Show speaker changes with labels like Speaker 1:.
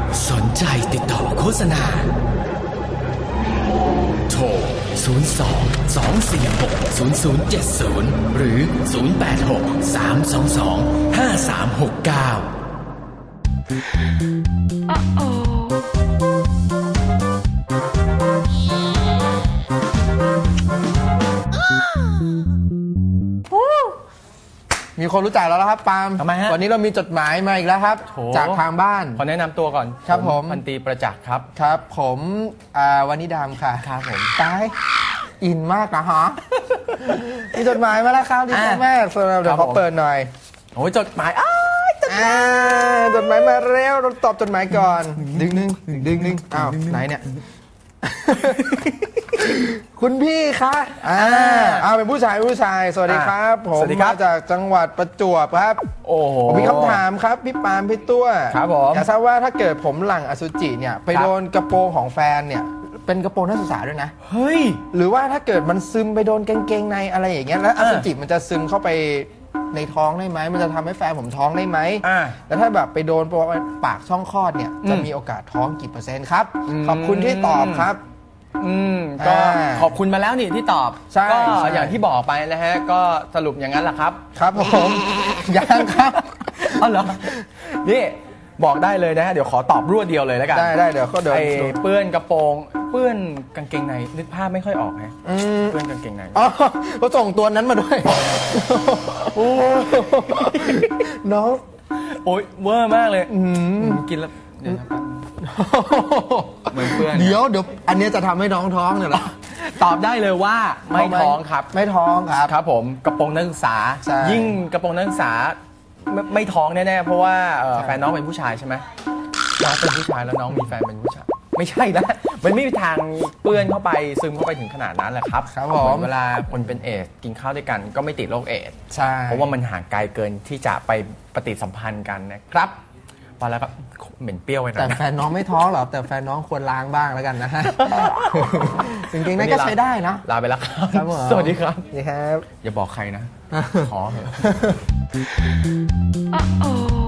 Speaker 1: สนใจติดต่อโฆษณาโทร02-246-0070หรือ086-322-5369
Speaker 2: มีคนรู้จักแล้วครับปาล์ม
Speaker 3: ทำไมฮะ
Speaker 2: วันนี้เรามีจดหมายมาอีกแล้วครับจากทางบ้าน
Speaker 3: ขอแนะนำตัวก่อน
Speaker 2: ครับผม
Speaker 3: พันตรีประจักษ์ครับ
Speaker 2: ครับผมวานิดามค่ะ
Speaker 3: ครับผม
Speaker 2: ตายอินมากนะฮะ มีจดหมายมาแล้วครับดีมากเดี๋ยวขอเปิดหน่อย
Speaker 3: โอ้ยจดหมาย
Speaker 2: จดหมายมาแล้วเราตอบจดหมายก่อนดึงอ้าวไหนเนี่ย คุณพี่คะเป็นผู้ชายสวัสดีครับผมมาจากจังหวัดประจวบครับ
Speaker 3: โอ้โห
Speaker 2: ผมมีคำถามครับพี่ปาล์มพี่ตัว
Speaker 3: ครับผม
Speaker 2: อยากทราบว่าถ้าเกิดผมหลั่งอสุจิเนี่ยไปโดนกระโปรงของแฟนเนี่ยเป็นกระโปรงนักศึกษาด้วยนะ
Speaker 3: เฮ้ย
Speaker 2: หรือว่าถ้าเกิดมันซึมไปโดนกางเกงในอะไรอย่างเงี้ยแล้วอสุจิมันจะซึมเข้าไปในท้องได้ไหมมันจะทำให้แฟนผมท้องได้ไหมแล้วถ้าแบบไปโดนปากช่องคลอดเนี่ยจะมีโอกาสท้องกี่เ%ครับขอบคุณที่ตอบครับ
Speaker 3: ก็ขอบคุณมาแล้วนี่ที่ตอบก็อย่างที่บอกไปนะฮะก็สรุปอย่างนั้นแหละครับ
Speaker 2: ครับผมยังครับ
Speaker 3: อ๋อเหรอนี่บอกได้เลยนะฮะเดี๋ยวขอตอบรวดเดียวเลยแล้วกัน
Speaker 2: ได้เดี๋ยวก็เดี๋ยว
Speaker 3: เปื้อนกระโปรงเปื้อนกางเกงในนึกภาพไม่ค่อยออกฮะเปื้อนกางเกงใน
Speaker 2: อ๋อเขาส่งตัวนั้นมาด้วยโอ้น้อง
Speaker 3: โอ้ยเวอร์มากเลยกินแล้วเดี๋ยวนะครับเหมือนเพื่อน
Speaker 2: เดี๋ยวอันนี้จะทำให้น้องท้องเนี่ยหรอ
Speaker 3: ตอบได้เลยว่าไม่ท้องครับ
Speaker 2: ไม่ท้องครับ
Speaker 3: ครับผมกระโปรงนักศึกษายิ่งกระโปรงนักศึกษาไม่ท้องแน่ๆเพราะว่าแฟนน้องเป็นผู้ชายใช่ไหมน้องเป็นผู้ชายแล้วน้องมีแฟนเป็นผู้ชายไม่ใช่นะมันไม่มีทางเปื้อนเข้าไปซึมเข้าไปถึงขนาดนั้นแหละครับ
Speaker 2: ครับผม
Speaker 3: เวลาคนเป็นเอดส์กินข้าวด้วยกันก็ไม่ติดโรคเอดส์
Speaker 2: ใช่
Speaker 3: เพราะว่ามันห่างไกลเกินที่จะไปปฏิสัมพันธ์กันนะครับพอแล้วครับเหม็นเปรี้ยวไปหน่อย
Speaker 2: แต่แฟนน้องไม่ท้องหรอกแต่แฟนน้องควรล้างบ้างแล้วกันนะฮะจริงๆนั่นก็ใช้ได้นะ
Speaker 3: ลาไปแล้วครับสวัสดีครับ
Speaker 2: สวัสดีครับ
Speaker 3: อย่าบอกใครนะขอเถอะ